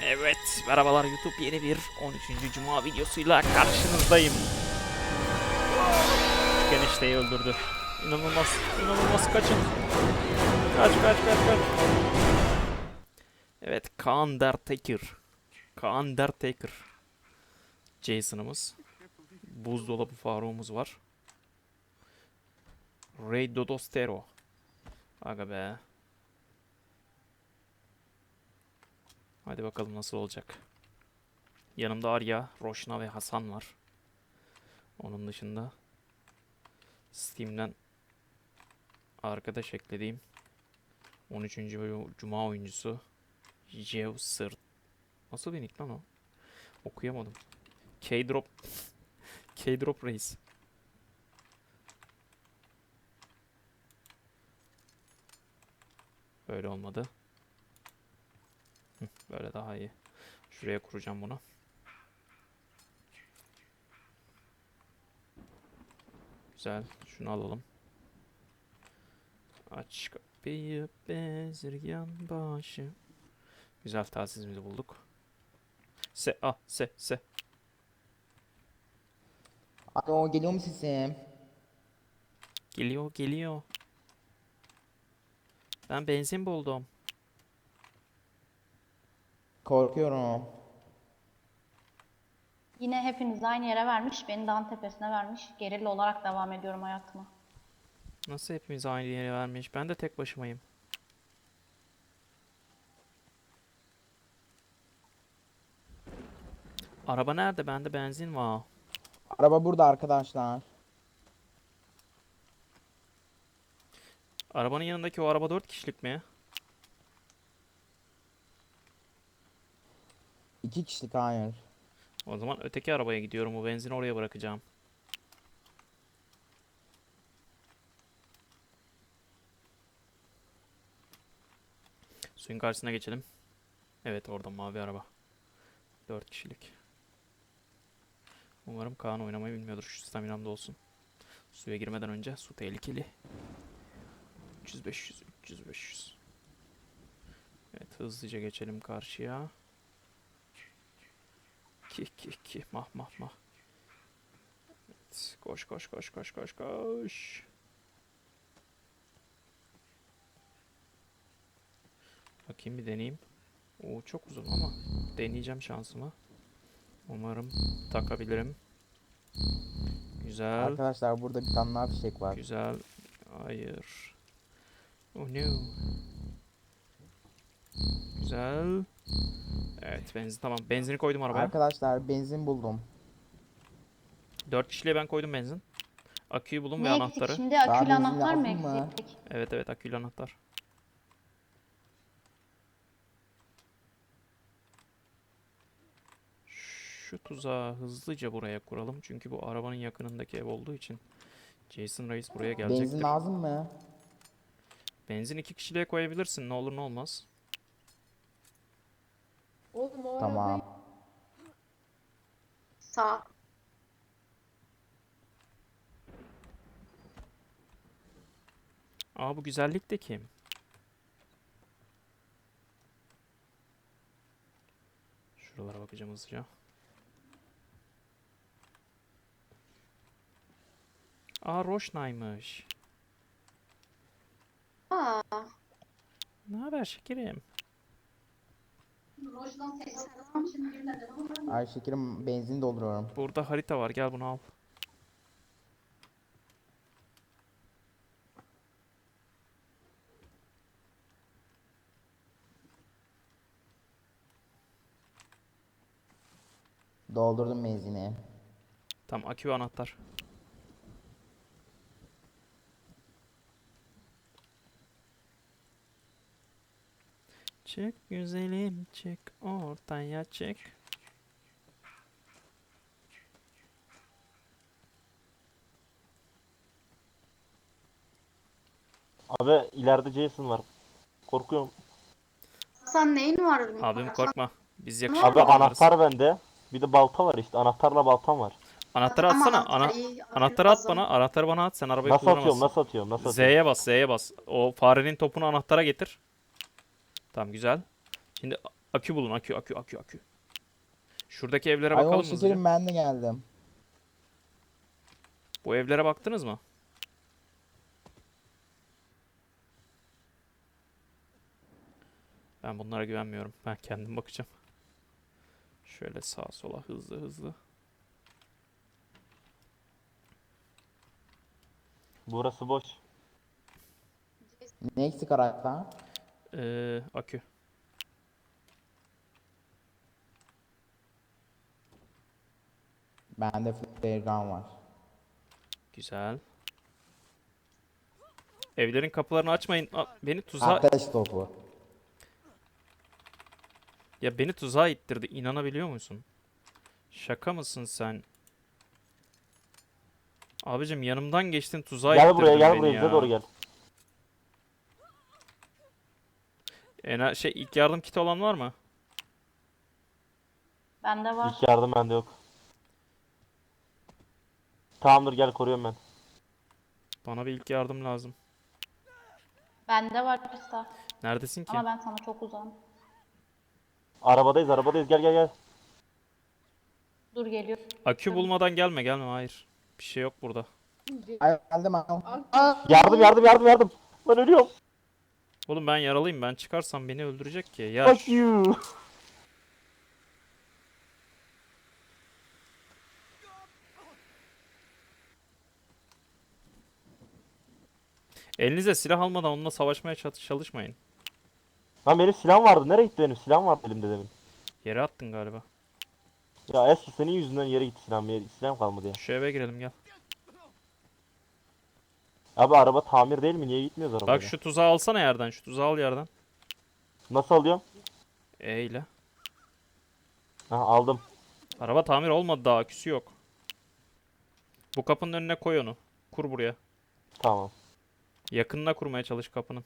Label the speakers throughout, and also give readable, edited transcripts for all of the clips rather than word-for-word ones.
Speaker 1: Evet, merhabalar YouTube, yeni bir 13. Cuma videosuyla karşınızdayım. Küçük enişteyi öldürdü. İnanılmaz, inanılmaz, kaçın. Kaç. Evet, Kaan Undertaker. Jason'ımız. Buzdolabı Faruk'umuz var. Rey Dodostero. Aga be. Hadi bakalım nasıl olacak. Yanımda Arya, Roşna ve Hasan var. Onun dışında Steam'den arkadaş eklediğim 13. Cuma oyuncusu Jev Sırt. Nasıl bir nick lan o? Okuyamadım. K-Drop. K-Drop Reis. Böyle olmadı. Böyle daha iyi. Şuraya kuracağım bunu. Güzel. Şunu alalım. Aç kapıyı bezirgan başı. Güzel, telsizimizi bulduk. Se.
Speaker 2: Alo, geliyor mu sesim?
Speaker 1: Geliyor. Ben benzin buldum.
Speaker 2: Korkuyorum.
Speaker 3: Yine hepiniz aynı yere vermiş, beni dağın tepesine vermiş. Gerilla olarak devam ediyorum hayatıma.
Speaker 1: Nasıl hepimiz aynı yere vermiş? Ben de tek başımayım. Araba nerede? Bende benzin var.
Speaker 2: Araba burada arkadaşlar.
Speaker 1: Arabanın yanındaki o araba 4 kişilik mi?
Speaker 2: 2 kişilik, hayır.
Speaker 1: O zaman öteki arabaya gidiyorum. O benzini oraya bırakacağım. Suyun karşısına geçelim. Evet, orada mavi araba. 4 kişilik. Umarım Kaan oynamayı bilmiyordur. Şu staminam da olsun. Suya girmeden önce su tehlikeli. 300-500. Evet, hızlıca geçelim karşıya. Ki. Mah. Evet, koş. Bakayım, bir deneyeyim. Oo, çok uzun ama deneyeceğim şansımı. Umarım takabilirim. Güzel.
Speaker 2: Arkadaşlar burada bir tane daha fişek var.
Speaker 1: Güzel. Hayır. Oh no. Güzel. Evet, benzin tamam. Benzini koydum arabaya.
Speaker 2: Arkadaşlar benzin buldum.
Speaker 1: 4 kişiliğe ben koydum benzin. Aküyü bulun ve
Speaker 3: Ne eksik
Speaker 1: anahtarı.
Speaker 3: şimdi?
Speaker 2: Daha
Speaker 3: Akülü
Speaker 2: benzin
Speaker 3: anahtar mı
Speaker 2: lazım mı?
Speaker 3: eksik?
Speaker 1: Evet, aküyle anahtar. Şu tuzağı hızlıca buraya kuralım. Çünkü bu arabanın yakınındaki ev olduğu için Jason Reis buraya
Speaker 2: Benzin
Speaker 1: gelecektir.
Speaker 2: lazım mı?
Speaker 1: Benzin 2 kişiliğe koyabilirsin. Ne olur ne olmaz.
Speaker 4: Oğlum o arabayı
Speaker 2: Tamam.
Speaker 4: sağ.
Speaker 1: Aa, bu güzellik de kim? Şuralara bakacağım hızlıca. Aa, Roşna'ymış.
Speaker 4: Aa,
Speaker 1: Ne haber şekerim?
Speaker 2: Ay şekerim, benzin dolduruyorum.
Speaker 1: Burada harita var. Gel bunu al.
Speaker 2: Doldurdum benzini.
Speaker 1: Tamam, akü ve anahtar. Çık güzelim çık, ortaya çık.
Speaker 5: Abi ileride Jason var. Korkuyorum.
Speaker 4: Hasan neyin var?
Speaker 1: Abim korkma. Biz
Speaker 4: Abi,
Speaker 1: yakışıklı
Speaker 5: Abi
Speaker 1: adamlarız.
Speaker 5: anahtar bende. Bir de balta var işte. Anahtarla baltam var.
Speaker 1: Anahtarı
Speaker 4: Ama
Speaker 1: atsana.
Speaker 4: anahtar iyi, akülü
Speaker 1: Anahtarı at
Speaker 4: lazım.
Speaker 1: bana. Anahtarı bana at. Sen arabayı
Speaker 5: Nasıl atıyorum?
Speaker 1: kullanamazsın.
Speaker 5: Nasıl atıyorum? Nasıl atıyorum?
Speaker 1: Z'ye bas. O farenin topunu anahtara getir. Tamam, güzel. Şimdi Akü bulun, akü. Şuradaki evlere
Speaker 2: Ay o
Speaker 1: bakalım hızlıca.
Speaker 2: şekerim, ben de geldim.
Speaker 1: Bu evlere baktınız mı? Ben bunlara güvenmiyorum. Ben kendim bakacağım. Şöyle sağa sola hızlı.
Speaker 5: Burası boş.
Speaker 2: Ne eksik araçta?
Speaker 1: Akü.
Speaker 2: Bende flare gun var.
Speaker 1: Güzel. Evlerin kapılarını açmayın. Beni tuzağa...
Speaker 2: Ateş topu.
Speaker 1: Ya beni tuzağa ittirdi. İnanabiliyor musun? Şaka mısın sen? Abicim yanımdan geçtin, tuzağa
Speaker 5: Gel
Speaker 1: ittirdin
Speaker 5: buraya gel
Speaker 1: beni
Speaker 5: buraya bize
Speaker 1: ya.
Speaker 5: doğru gel.
Speaker 1: İlk yardım kiti olan var mı?
Speaker 3: Bende var.
Speaker 5: İlk yardım bende yok. Tamamdır gel koruyorum ben.
Speaker 1: Bana bir ilk yardım lazım.
Speaker 3: Bende var Krista.
Speaker 1: Neredesin ki?
Speaker 3: Ama ben sana çok uzağım.
Speaker 5: Arabadayız gel.
Speaker 3: Dur geliyor.
Speaker 1: Akü bulmadan gelme. Hayır. Bir şey yok burada.
Speaker 2: Ay geldim ay.
Speaker 5: Yardım. Ben ölüyorum.
Speaker 1: Oğlum ben yaralıyım. Ben çıkarsam beni öldürecek ki. Ya
Speaker 5: Fuck you.
Speaker 1: elinize silah almadan onunla savaşmaya çalışmayın.
Speaker 5: Lan benim silahım vardı. Nereye gitti benim? Silahım vardı elimde demin.
Speaker 1: Yere attın galiba.
Speaker 5: Ya eski senin yüzünden yere gitti silahım. Silahım kalmadı ya.
Speaker 1: Şu eve girelim gel.
Speaker 5: Abi araba tamir değil mi? Niye gitmiyoruz arabaya?
Speaker 1: Bak şu tuzağı alsana yerden. Şu tuzağı al yerden.
Speaker 5: Nasıl alıyorum?
Speaker 1: Eyle.
Speaker 5: Ha aldım.
Speaker 1: Araba tamir olmadı daha. Aküsü yok. Bu kapının önüne koy onu. Kur buraya.
Speaker 5: Tamam.
Speaker 1: Yakınına kurmaya çalış kapının.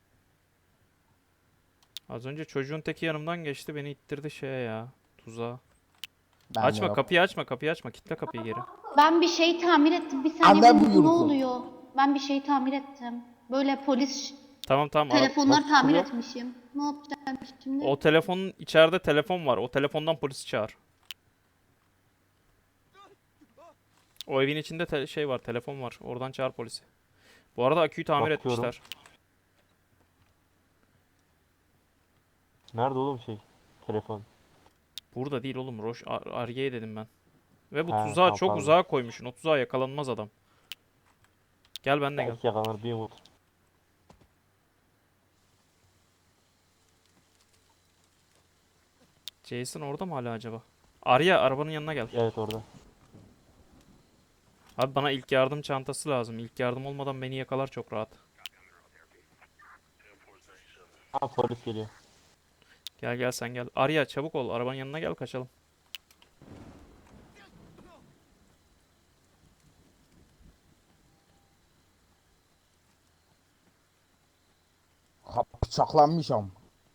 Speaker 1: Az önce çocuğun teki yanımdan geçti. Beni ittirdi şeye ya. Tuzağa.
Speaker 2: Bende
Speaker 1: Açma
Speaker 2: yok.
Speaker 1: kapıyı açma. Kitle kapıyı geri.
Speaker 3: Ben bir şey tamir ettim. Bir saniye
Speaker 2: Anne
Speaker 3: bu ne
Speaker 2: buyursun.
Speaker 3: oluyor? Ben bir şey tamir ettim. Böyle polis
Speaker 1: Tamam.
Speaker 3: telefonları
Speaker 5: nasıl
Speaker 3: tamir
Speaker 5: çıkıyor?
Speaker 3: etmişim. Ne yapacağım şimdi?
Speaker 1: O telefonun içeride telefon var. O telefondan polisi çağır. O evin içinde şey var, telefon var. Oradan çağır polisi. Bu arada aküyü tamir
Speaker 5: Bakıyorum.
Speaker 1: etmişler.
Speaker 5: Nerede oğlum şey? Telefon.
Speaker 1: Burada değil oğlum. Arge'ye dedim ben. Ve bu
Speaker 5: Ha,
Speaker 1: tuzağı
Speaker 5: tamam,
Speaker 1: çok
Speaker 5: pardon.
Speaker 1: uzağa koymuşsun. O tuzağa yakalanmaz adam. Gel ben de gel.
Speaker 5: Belki yakalanır bir umut.
Speaker 1: Jason orada mı hala acaba? Arya arabanın yanına gel.
Speaker 5: Evet orada.
Speaker 1: Abi bana ilk yardım çantası lazım. İlk yardım olmadan beni yakalar çok rahat.
Speaker 5: Ha polis geliyor.
Speaker 1: Gel sen gel. Arya çabuk ol. Arabanın yanına gel kaçalım.
Speaker 2: Ha, bıçaklanmışım.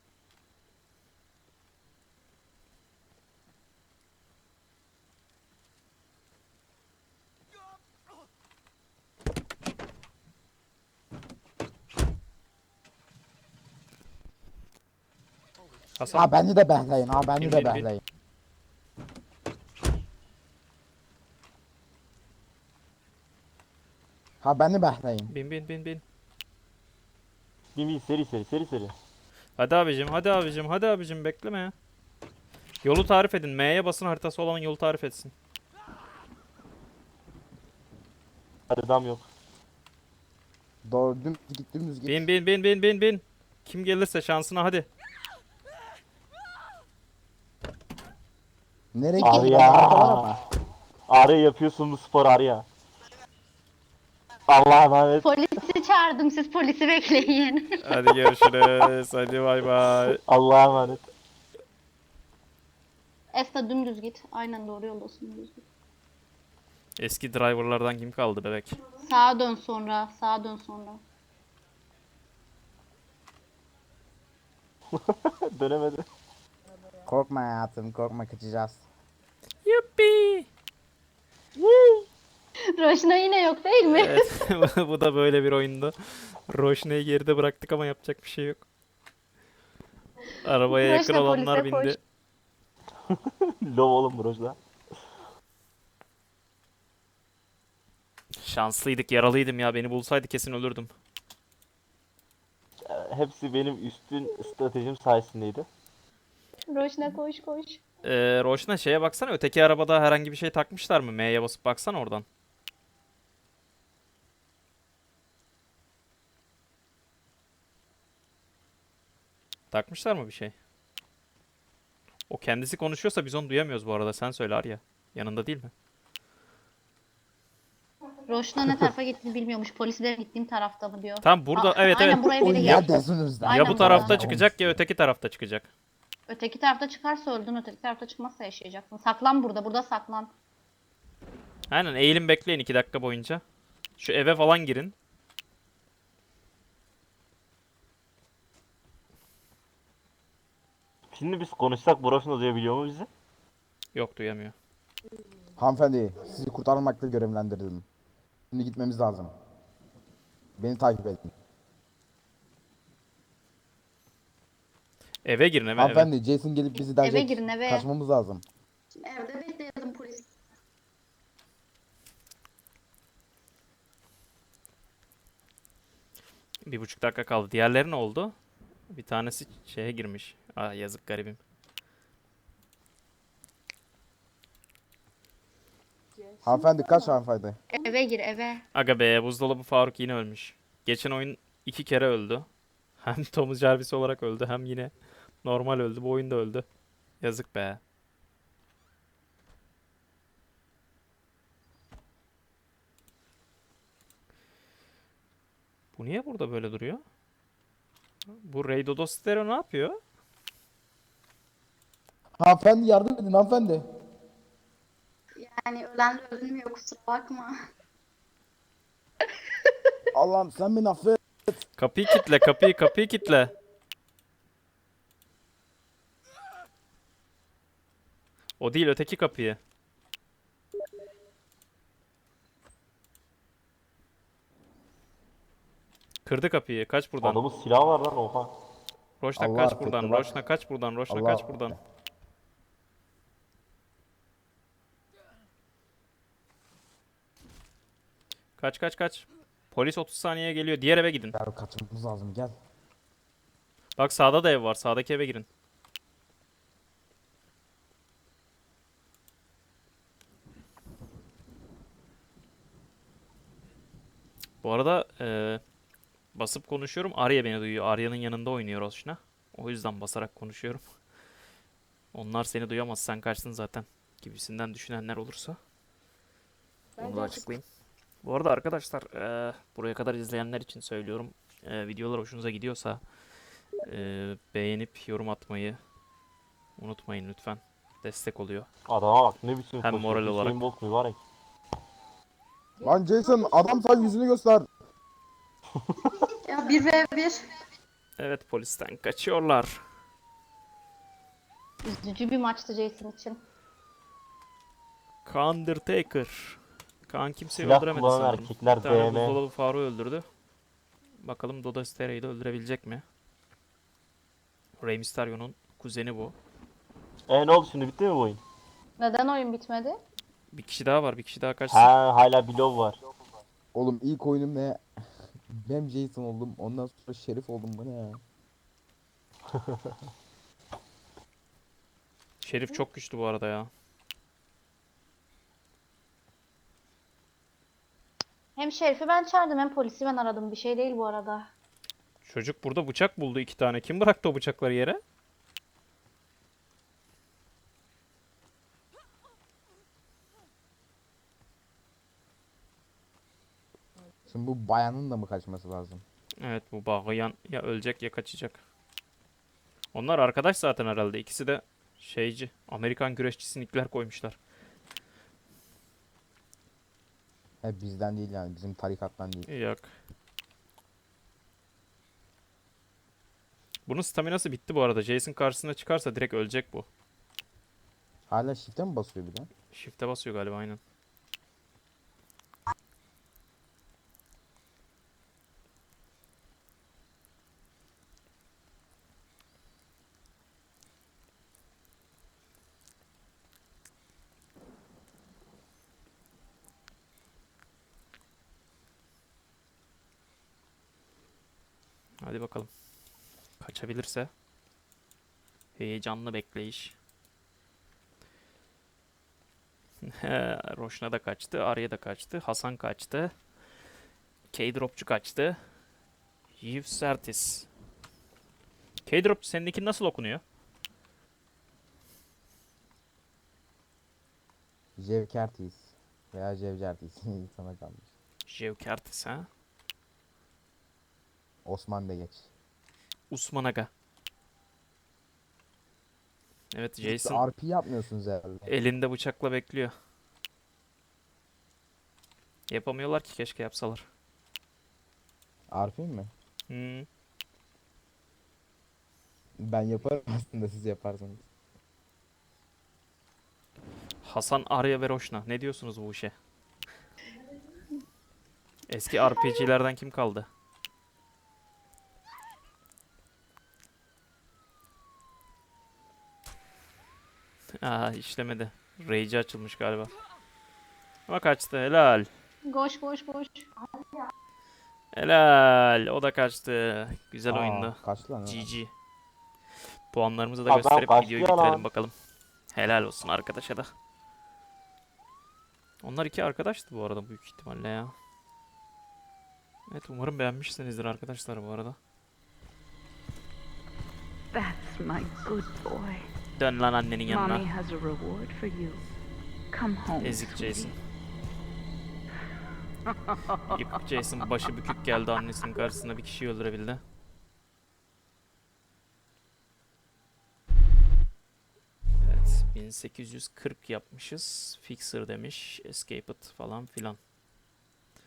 Speaker 1: Hasan
Speaker 2: Ha beni de behleyin. Ha beni
Speaker 1: Bin,
Speaker 2: de
Speaker 1: bin, bin.
Speaker 2: behleyin. Ha beni behleyin.
Speaker 1: bin.
Speaker 5: Bir seri.
Speaker 1: Hadi abicim bekleme ya. Yolu tarif edin. M'ye basın, haritası olan yolu tarif etsin.
Speaker 5: Hadi dam yok.
Speaker 2: Doğru dümdüz git.
Speaker 1: Bin. Kim gelirse şansına hadi.
Speaker 2: Nereye
Speaker 5: Abi
Speaker 2: gidiyorsun?
Speaker 5: ya.
Speaker 2: Arkalara bak.
Speaker 5: Arya yapıyorsun bu spor Arya. Allah'a emanet.
Speaker 3: Polisi çağırdım. Siz polisi bekleyin.
Speaker 1: Hadi görüşürüz. Hadi bay bay.
Speaker 5: Allah'a emanet.
Speaker 3: Esta dümdüz git. Aynen doğru yoldasın, dümdüz git.
Speaker 1: Eski driverlardan kim kaldı bebek?
Speaker 3: Sağa dön sonra. Sağa dön sonra.
Speaker 5: Dönemedi.
Speaker 2: Korkma hayatım, korkma, kaçacağız.
Speaker 1: Yuppi.
Speaker 3: Roşna yine yok değil mi?
Speaker 1: Evet. Bu da böyle bir oyundu. Roşne'yi geride bıraktık ama yapacak bir şey yok. Arabaya yakın
Speaker 3: Roşna,
Speaker 1: olanlar
Speaker 3: polise koş.
Speaker 1: bindi.
Speaker 5: Lov oğlum Broj'la.
Speaker 1: Şanslıydık, yaralıydım ya. Beni bulsaydı kesin ölürdüm.
Speaker 5: Hepsi benim üstün stratejim sayesindeydi.
Speaker 3: Roşna koş koş.
Speaker 1: Roşna şeye baksana, öteki arabada herhangi bir şey takmışlar mı? M'ye basıp baksana oradan. Takmışlar mı bir şey? O kendisi konuşuyorsa biz onu duyamıyoruz bu arada. Sen söyle Arya. Yanında değil mi?
Speaker 3: Roşna ne tarafa gittiğini bilmiyormuş. Polislerin gittiğim tarafta mı diyor.
Speaker 1: Tam burada, evet
Speaker 3: Aynen
Speaker 1: evet.
Speaker 3: buraya
Speaker 2: O
Speaker 3: biri gel.
Speaker 2: neredesiniz lan?
Speaker 3: Aynen
Speaker 1: Ya bu tarafta
Speaker 3: burada.
Speaker 1: çıkacak ya öteki tarafta çıkacak.
Speaker 3: Öteki tarafta çıkarsa öldün, öteki tarafta çıkmazsa yaşayacaksın. Saklan burada, burada saklan.
Speaker 1: Aynen, eğilin bekleyin 2 dakika boyunca. Şu eve falan girin.
Speaker 5: Şimdi biz konuşsak Broj'la duyabiliyor mu bizi?
Speaker 1: Yok, duyamıyor.
Speaker 2: Hanımefendi, sizi kurtarmakla görevlendirdim. Şimdi gitmemiz lazım. Beni takip edin.
Speaker 1: Eve girin, eve.
Speaker 2: Hanımefendi, Jason gelip bizi dövecek.
Speaker 3: Eve girin, eve.
Speaker 2: Kaçmamız lazım.
Speaker 4: Şimdi evde bekleyelim polis.
Speaker 1: Bir buçuk dakika kaldı. Diğerleri ne oldu? Bir tanesi şeye girmiş. Ah, yazık garibim.
Speaker 2: Hanımefendi kaç hanımefendi?
Speaker 3: Eve gir, eve.
Speaker 1: Aga be, buzdolabı Faruk yine ölmüş. Geçen oyun 2 kere öldü. Hem Thomas Jarvis olarak öldü hem yine normal öldü. Bu oyunda öldü. Yazık be. Bu niye burada böyle duruyor? Bu Ray Dodostero ne yapıyor?
Speaker 2: Hanımefendi yardım edin hanımefendi.
Speaker 4: Yani ölen ölmüyor, kusura bakma.
Speaker 2: Allah'ım sen beni affet.
Speaker 1: Kapıyı kitle, kapıyı kitle. O değil, öteki kapıyı. Kırdı kapıyı. Kaç buradan.
Speaker 5: Adamın silahı var lan oha.
Speaker 1: Roşna
Speaker 2: Allah
Speaker 1: kaç
Speaker 2: affetti,
Speaker 1: buradan.
Speaker 2: bak.
Speaker 1: Roşna kaç buradan. Roşna
Speaker 2: Allah
Speaker 1: kaç
Speaker 2: affetti.
Speaker 1: buradan. Kaç. Polis 30 saniyeye geliyor. Diğer eve gidin.
Speaker 2: Gel kaçmamız lazım gel.
Speaker 1: Bak sağda da ev var. Sağdaki eve girin. Bu arada basıp konuşuyorum. Arya beni duyuyor. Arya'nın yanında oynuyor Roşna. O yüzden basarak konuşuyorum. Onlar seni duyamaz. Sen kaçtın zaten. Gibisinden düşünenler olursa. Onu da açıklayayım. Bu arada arkadaşlar buraya kadar izleyenler için söylüyorum. Videolar hoşunuza gidiyorsa beğenip yorum atmayı unutmayın lütfen. Destek oluyor.
Speaker 5: Adama bak ne biçim
Speaker 1: Hem
Speaker 5: koşuyor.
Speaker 1: moral olarak.
Speaker 5: Hüseyin Bolt mübarek.
Speaker 2: Lan Jason adam sen yüzünü göster.
Speaker 4: Ya 1v1.
Speaker 1: Evet, polisten kaçıyorlar.
Speaker 3: Üzücü bir maçtı Jason için.
Speaker 1: Undertaker. Kaan kimseyi
Speaker 5: Silah
Speaker 1: öldüremedi
Speaker 5: kullanan
Speaker 1: sanırım.
Speaker 5: erkekler
Speaker 1: Bir tane
Speaker 5: DM.
Speaker 1: buzdolabı Faruk'u öldürdü. Bakalım Dodo Stereo'yu da öldürebilecek mi? Rey Mysterio'nun kuzeni bu.
Speaker 5: Ne oldu şimdi bitti mi bu oyun?
Speaker 3: Neden oyun bitmedi?
Speaker 1: Bir kişi daha var. Bir kişi daha kaçsın.
Speaker 5: Ha hala bir lov var.
Speaker 2: Oğlum ilk oyunum ne? Ben Jason oldum. Ondan sonra Şerif oldum. Bu ne ya?
Speaker 1: Şerif çok güçlü bu arada ya.
Speaker 3: Hem Şerif'i ben çağırdım hem polisi ben aradım. Bir şey değil bu arada.
Speaker 1: Çocuk burada bıçak buldu 2 tane. Kim bıraktı o bıçakları yere?
Speaker 2: Şimdi bu bayanın da mı kaçması lazım?
Speaker 1: Evet, bu bağlayan ya ölecek ya kaçacak. Onlar arkadaş zaten herhalde. İkisi de şeyci. Amerikan güreşçisi nickler koymuşlar.
Speaker 2: He bizden değil yani bizim tarikattan değil.
Speaker 1: Yok. Bunun staminası bitti bu arada. Jason karşısına çıkarsa direkt ölecek bu.
Speaker 2: Hala shift'e mi basıyor bir de?
Speaker 1: Shift'e basıyor galiba, aynen. Hadi bakalım. Kaçabilirse. Heyecanlı bekleyiş. Roşna da kaçtı. Arya da kaçtı. Hasan kaçtı. K-Dropçu kaçtı. Yves. K-Dropçu seninkini nasıl okunuyor?
Speaker 2: Jevkertis veya Cevcertis sana kalmış.
Speaker 1: Jevkertis ha?
Speaker 2: Osman da geç.
Speaker 1: Usman Aga. Evet,
Speaker 2: Siz
Speaker 1: Jason
Speaker 2: RP yapmıyorsunuz herhalde.
Speaker 1: elinde bıçakla bekliyor. Yapamıyorlar ki, keşke yapsalar.
Speaker 2: RP mi?
Speaker 1: Hmm.
Speaker 2: Ben yaparım aslında, siz yaparsanız.
Speaker 1: Hasan, Arya ve Roşna. Ne diyorsunuz bu işe? Eski RPG'lerden kim kaldı? Aa, işlemedi. Rage açılmış galiba. Ama kaçtı. Helal.
Speaker 3: Koş koş koş.
Speaker 1: Helal. O da kaçtı. Güzel oyundu.
Speaker 2: Kaç lan?
Speaker 1: GG. Puanlarımızı da
Speaker 5: Adam
Speaker 1: gösterip
Speaker 5: kaçtı
Speaker 1: videoyu
Speaker 5: ya lan.
Speaker 1: bitirelim bakalım. Helal olsun arkadaşa da. Onlar iki arkadaştı bu arada büyük ihtimalle ya. Evet, umarım beğenmişsinizdir arkadaşlar bu arada.
Speaker 6: That's my good boy.
Speaker 1: Dön lan annenin
Speaker 6: Mommy
Speaker 1: yanına.
Speaker 6: has a reward for you. Come home,
Speaker 1: Ezik
Speaker 6: sweetie.
Speaker 1: Jason. Yıkık Jason başı bükük geldi annesinin karşısına, bir kişiyi öldürebildi. Evet, 1840 yapmışız. Fixer demiş. Escaped falan filan.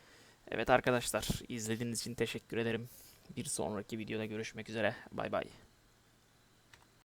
Speaker 1: Evet arkadaşlar, izlediğiniz için teşekkür ederim. Bir sonraki videoda görüşmek üzere. Bay bay.